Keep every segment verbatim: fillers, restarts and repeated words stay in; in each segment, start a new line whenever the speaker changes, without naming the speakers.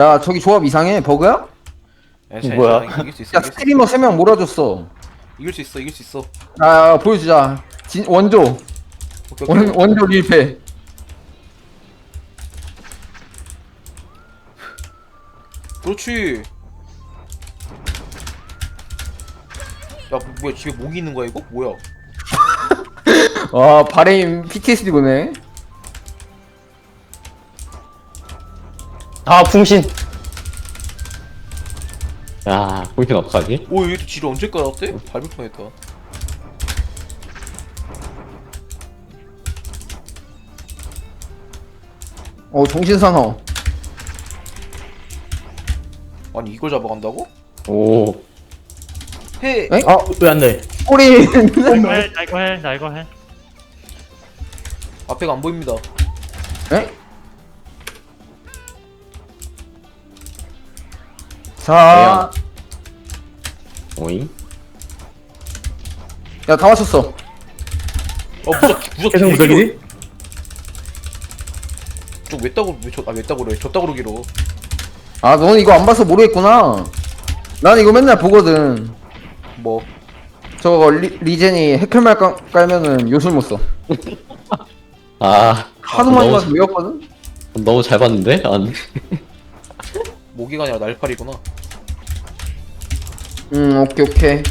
야 저기 조합 이상해. 버그야?
야, 자,
뭐야?
자, 이길 수 있어.
야
이길 수,
스트리머 세 명 몰아줬어.
이길 수 있어. 이길 수 있어.
야, 야 보여주자. 진 원조
오케이, 오케이.
원 원조 릴패.
그렇지. 야, 뭐, 뭐야? 집에 모기 있는 거야 이거? 뭐야?
와 바레임 피티에스디 보네.
아 풍신. 야 풍신 어떡하지?
오, 얘도 지를 언제 깔았대? 밟을 뻔했다.
어 정신사나워.
아니 이걸 잡아간다고?
오.
해.
에?
아 왜 안 돼?
꼬리.
나 이거 해, 나 이거 해, 나 이거 해.
앞에가 안 보입니다.
에? 자,
오잉?
야 다 맞췄어.
어, 무적, 무적.
계속 무적이지?
저왜 따고 왜저아왜 따고 그래? 저 따고 그러기로.
아 너는 이거 안 봐서 모르겠구나. 난 이거 맨날 보거든.
뭐?
저거 리, 리젠이 해클말 깔, 깔면은 요술 못 써.
아
하도 많이
너무
봐서 외웠거든.
너무 잘 봤는데? 안.
모기가 아니라 날파리구나.
음 오케이 오케이.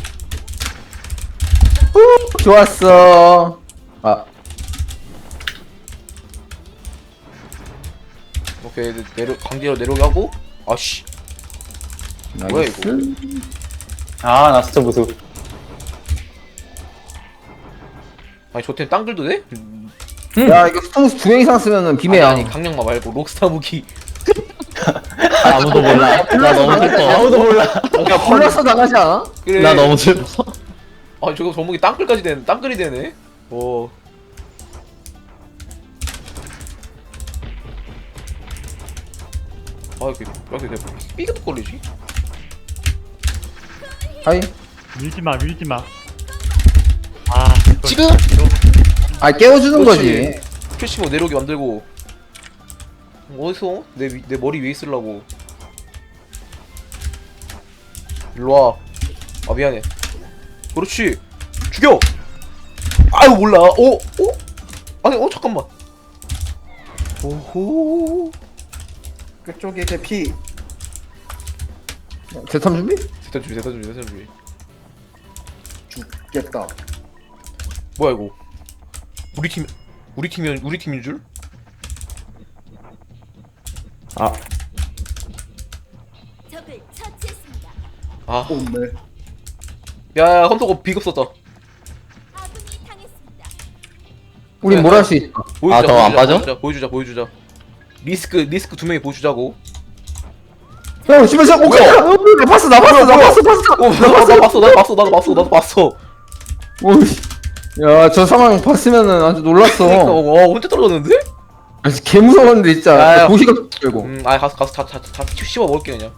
후, 좋았어. 아
오케이 내려 강제로 내려오게 하고. 아씨. 뭐야, 이거?
나이스.
아 나 진짜 무서워.
아니 저템 땅 들도 돼?
야 이거 스톤스 두 명 이상 쓰면은 비매야.
아니, 아니 강력마 말고 록스타 무기.
아, 아무도 몰라. 나 너무 슬퍼. 아무도 몰라.
야 골라서 나가지 않아?
그래.
나 너무 슬퍼.
아 저거 저목이 땅글까지 되는 땅글이 되네. 오. 아 이렇게 왜 이렇게 삐그덕 걸리지?
아이.
밀지 마, 밀지 마. 아, 이거
지금?
아 깨워주는
그렇지.
거지.
캐시모 내려오게 만들고. 어디서? 내, 위- 내 머리 위에 있으려고. 일로와. 아 미안해. 그렇지. 죽여. 아유 몰라. 어? 어? 아니 어 잠깐만. 오호.
그쪽에 대피. 대탐 준비?
대탄 준비 대탄 준비 대탄 준비.
죽겠다.
뭐야 이거? 우리 팀 우리 팀이 우리 팀인 줄?
아
적을 처치했습니다.
아.
네.
야 헌터가 비급 썼다.
아군이 당했습니다.
우린 뭘 할 수 있어?
보여주자.
아, 더안
보여주자,
빠져?
보여주자 보여주자 보여주자. 리스크 리스크 두 명이 보여주자고.
야 씨발 씨, 오
뭐야?
야, 나 봤어 나 봤어 나 봤어 봤어.
어, 나, 나 봤어 나도 봤어 나도 봤어 나도 봤어.
오씨. 야저 상황 봤으면은 아주 놀랐어.
그러니까 어 혼자 떨어졌는데?
아, 진짜 개 무서웠는데 진짜.
야, 야.
도시가 들고.
음, 아 가서 가서 다다다 씹어 먹을게 그냥.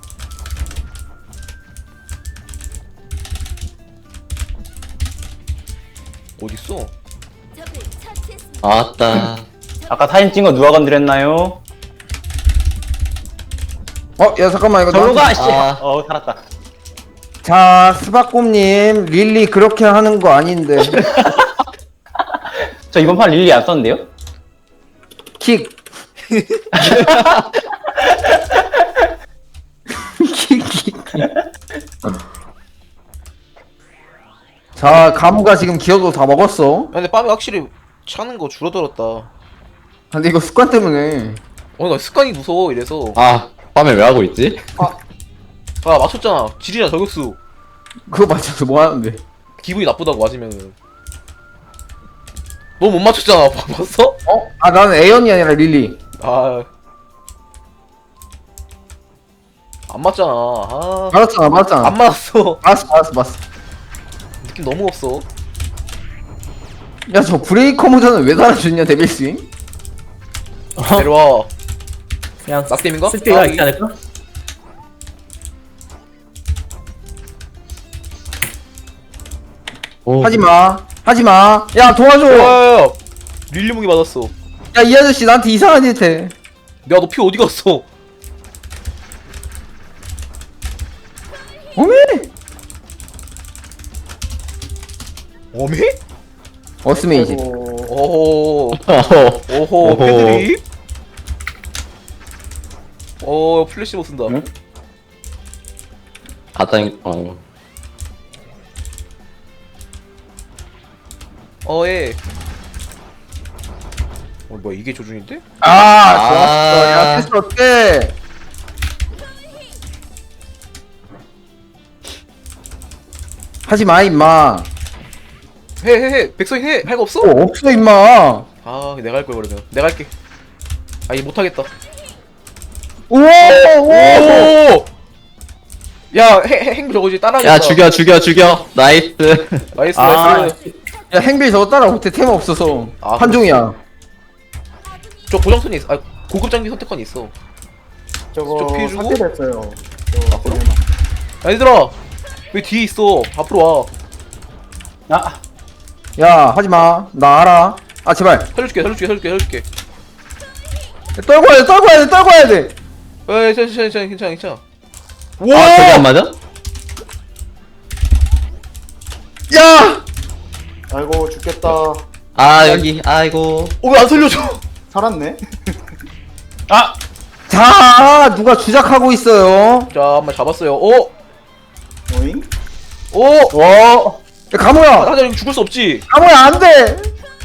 어디 있어?
적을 처치했습니다.
아따.
아까 사진 찍은 거 누가 건드렸나요?
어, 야 잠깐만 이거.
절로
나한테-
가! 씨!
아.
어 살았다.
자 스바꼼님 릴리 그렇게 하는 거 아닌데.
저 이번 판 릴리 안 썼는데요?
킥. 킥 킥. 자 가무가 지금 기어도 다 먹었어.
야, 근데 빰이 확실히 차는 거 줄어들었다.
근데 이거 습관 때문에.
어, 나 습관이 무서워 이래서.
아 밤에 왜 하고 있지?
아 맞췄잖아. 질이나 저격수.
그거 맞춰서 뭐 하는데?
기분이 나쁘다고 맞으면은. 너 못 맞췄잖아. 봤어?
어? 아 나는 에연이 아니라 릴리.
아. 안 맞잖아. 아.
맞았잖아 맞았잖아.
안 맞았어.
맞았어 맞았어 맞았어.
느낌 너무 없어.
야 저 브레이커 모자는 왜 달아줬냐 데빌 스윙?
내려와.
그냥
낙뎀인가?
쓸 때가
아,
있지 않을까?
오.
하지마 하지마. 야 도와줘.
야야야. 릴리 무기 맞았어.
야 이 아저씨 나한테 이상한 짓 해.
야 너 피 어디 갔어?
어메!
어미?
어스메이지.
오호
어허.
오호
오호.
패드립. 어 플래시모 쓴다.
응?
가땅 어.
어예. 어 뭐야 이게 조준인데?
아, 좋았어.
아.
야, 패스 어때? 하지 마, 임마.
해 해 해 백서인 해. 할 거 없어?
어, 없어, 임마.
아 내가 할 걸 그러면. 내가 할게. 아 이거 못하겠다.
오, 오.
오! 야, 해, 해, 행 저거 이제 따라하겠다.
야 죽여 죽여 죽여. 나이스.
나이스,
아.
나이스.
야, 행빌 저거 따라 못해. 테마 없어서.
아,
판종이야.
저 고정선이 있어. 아, 고급 장비 선택권이 있어.
저거
저 피해주고?
삭제됐어요.
아, 그럼? 야, 얘들아! 왜 뒤에 있어? 앞으로 와.
아,
야, 하지 마. 나 알아. 아, 제발.
살려줄게, 살려줄게, 살려줄게, 살려줄게.
떨고 와야 돼, 떨고 와야 돼, 떨고 와야 돼.
에이, 괜찮아, 괜찮아, 괜찮아, 괜찮아.
아 저게 안 맞아?
야!
아이고 죽겠다.
아 여기 아이고.
어, 왜 안 살려줘?
살았네.
아,
자, 누가 주작하고 있어요?
자, 한번 잡았어요. 오!
오잉?
오!
와. 야,
아,
가모야.
하자, 이거 죽을 수 없지.
가모야, 안 돼.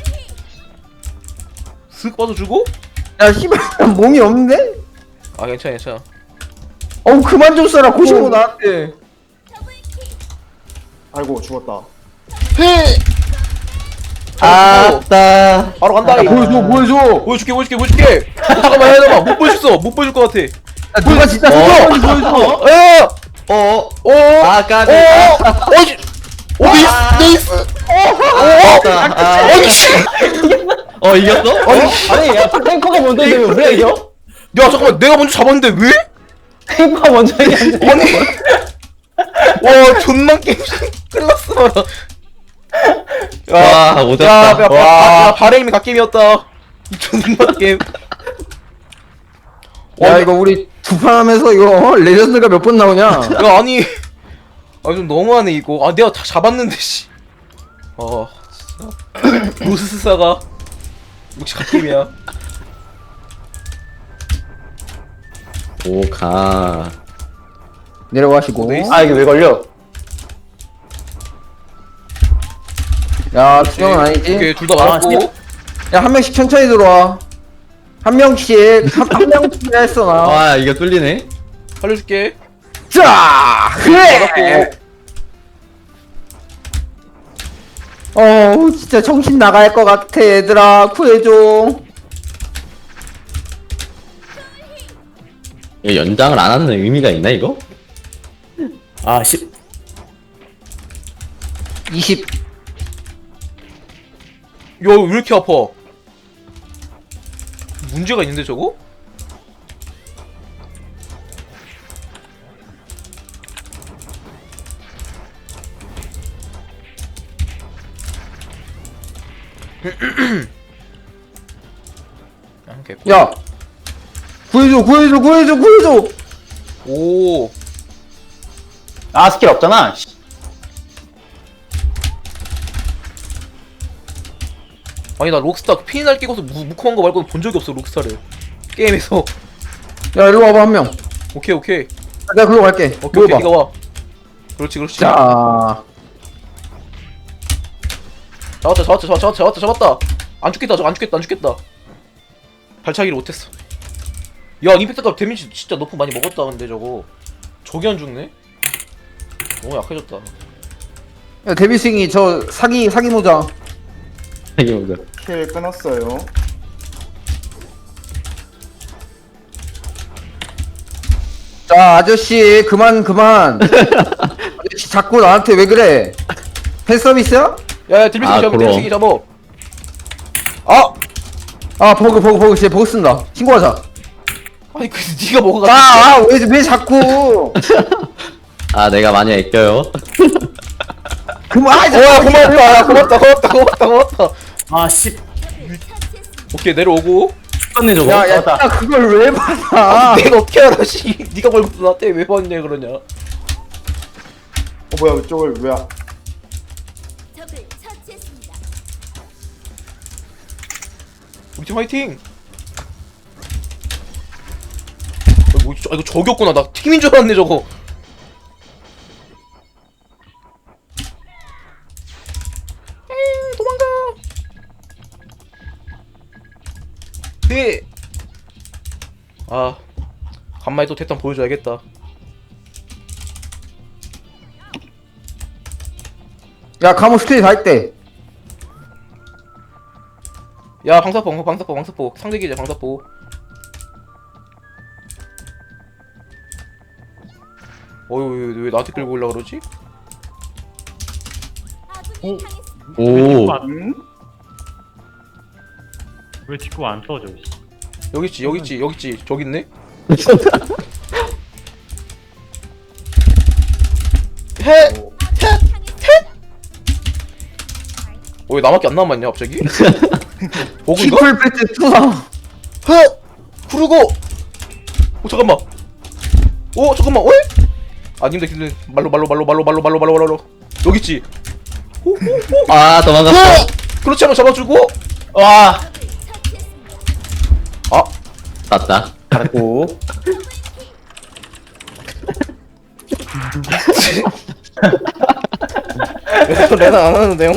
슥 빠져주고?
야, 씨발, 몸이 없는데?
아, 괜찮아, 괜찮아.
어우, 그만 좀 써라. 고시고 나한테.
아이고 죽었다.
아따.
바로 간다,
야,
이거.
보여줘, 보여줘.
보여줄게, 보여줄게, 보여줄게. 어, 잠깐만, 해봐. 못 보여줬어. 못 보여줄 것 같아.
야, 누가 진짜
어.
손가락이 보여줘.
에!
어.
오!
아 까비.
어! 씨! 오, 네이스! 네이스!
아따. 아.
아니, 씨!
어 이겼어?
아니, 야, 탱커가 먼저 이기면 우리가 이겨?
야, 잠깐만. 내가 먼저 잡았는데 왜?
탱커가 먼저 이기면
아니. 와, 존나 게임. 끝났어, 봐라.
와
야,
오졌다.
야,
와.
야, 바레임이 갓게임이었다. 이 존나 게임.
야, 이거 우리 두 판 하면서 이거 레전드가 몇 번 나오냐?
야, 아니. 아, 좀 너무하네, 이거. 아, 내가 다 잡았는데, 씨. 아, 진짜. 로스스사가. 역시 갓게임이야.
오가.
내려가시고.
네이스.
아, 이게 왜 걸려?
야, 투명은 아니지?
오케이, 둘 다 말았고.
야, 한 명씩 천천히 들어와. 한 명씩, 한, 한 명씩 했어, 나.
와 이거 뚫리네.
살려줄게.
자! 그래! 어우, 진짜 정신 나갈 것 같아, 얘들아. 구해줘.
이거 연장을 안 하는 의미가 있나 이거?
아, 십.
이십.
야, 왜 이렇게 아파? 문제가 있는데, 저거? 아, 개꿀.
야! 구해줘, 구해줘, 구해줘, 구해줘!
오.
아, 스킬 없잖아. 씨.
아니, 나 록스타 피날 끼고서 무, 무콤한 거 말고는 본 적이 없어, 록스타를. 게임에서.
야, 일로 와봐, 한 명.
오케이, 오케이.
아, 내가 글로 갈게.
오케이, 오케이,
모여봐.
니가 와. 그렇지, 그렇지.
자,
잡았다, 잡았다, 잡았다, 잡았다, 잡았다. 안 죽겠다, 저거 안 죽겠다, 안 죽겠다. 발차기를 못했어. 야, 임팩트가 데미지 진짜 너프 많이 먹었다, 근데 저거. 저게 안 죽네? 너무 약해졌다.
야, 데뷔승이 저 사기, 사기 모자.
이게 뭐야?
킬 끊었어요.
자, 아저씨, 그만, 그만. 아저씨, 자꾸 나한테 왜 그래? 팬서비스야?
야, 야, 딜비스
아,
잡아,
그럼.
딜비스 잡아. 아!
아, 버그, 버그, 버그, 쟤 버그 쓴다. 신고하자.
아니, 그, 니가 먹어가.
아, 아, 왜, 왜 자꾸.
아 내가 많이 아껴요.
그만, 아,
어, 야, 고맙다, 야, 고맙다, 고맙다, 고맙다, 고맙다.
아, 십.
오케이, 내려오고.
죽었네, 저거.
야, 야,
잡았다.
야, 그걸 왜 받아?
내가 어떻게 알아, 씨. 니가 벌금 나한테 왜 받냐, 그러냐.
뭐야 이쪽을 왜 안-
적을 처치했습니다.
우리 팀 화이팅! 아, 뭐, 저- 아, 이거 저기였구나. 나 팀인 줄 알았네 저거. 에이, 도망가. 네. 아, 간만에 또 대탄 보여줘야겠다.
야 카모 스킬 다 있대.
야, 방사포, 방사포, 방사포. 상대 기자 방사포. 어휴, 왜, 왜 나한테 끌고 올라 그러지?
아군이
오.
당했습니다.
왜
오.
뒷구 안,
응?
왜 뒷구 안 써져? 씨.
여기 있지, 여기 있지, 여기 있지. 저기 있네. 해. 어, 왜 나밖에 안 남았냐 갑자기? 버그인가?
키플 패트 투사.
허! 구르고! 오 잠깐만. 오 잠깐만. 왜? 아 님들 님들 말로 말로 말로 말로 말로 말로 말로 말로 여기 있지. 호호호.
아 도망갔어.
그렇지 한번 잡아주고.
와
적을 처치했습니다.
아
맞다.
잘했고.
레나 안 하는데요?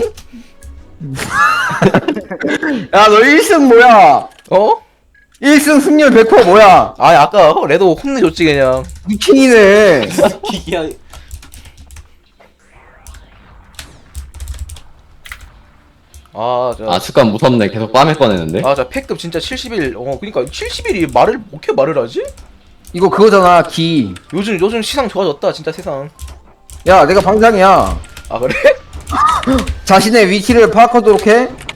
야 너 일 승 뭐야?
어?
일 승 승률 백 퍼센트 뭐야?
아 아까 레도 혼내줬지 그냥.
미친이네.
기기야. 아, 자,
아 습관 무섭네. 계속 빰에 꺼내는데.
아, 자, 패급 진짜 칠십일. 어, 그니까 칠십일이 말을 어떻게 말을 하지?
이거 그거잖아 기.
요즘 요즘 시상 좋아졌다, 진짜 세상.
야 내가 방장이야.
아 그래?
자신의 위치를 파악하도록 해.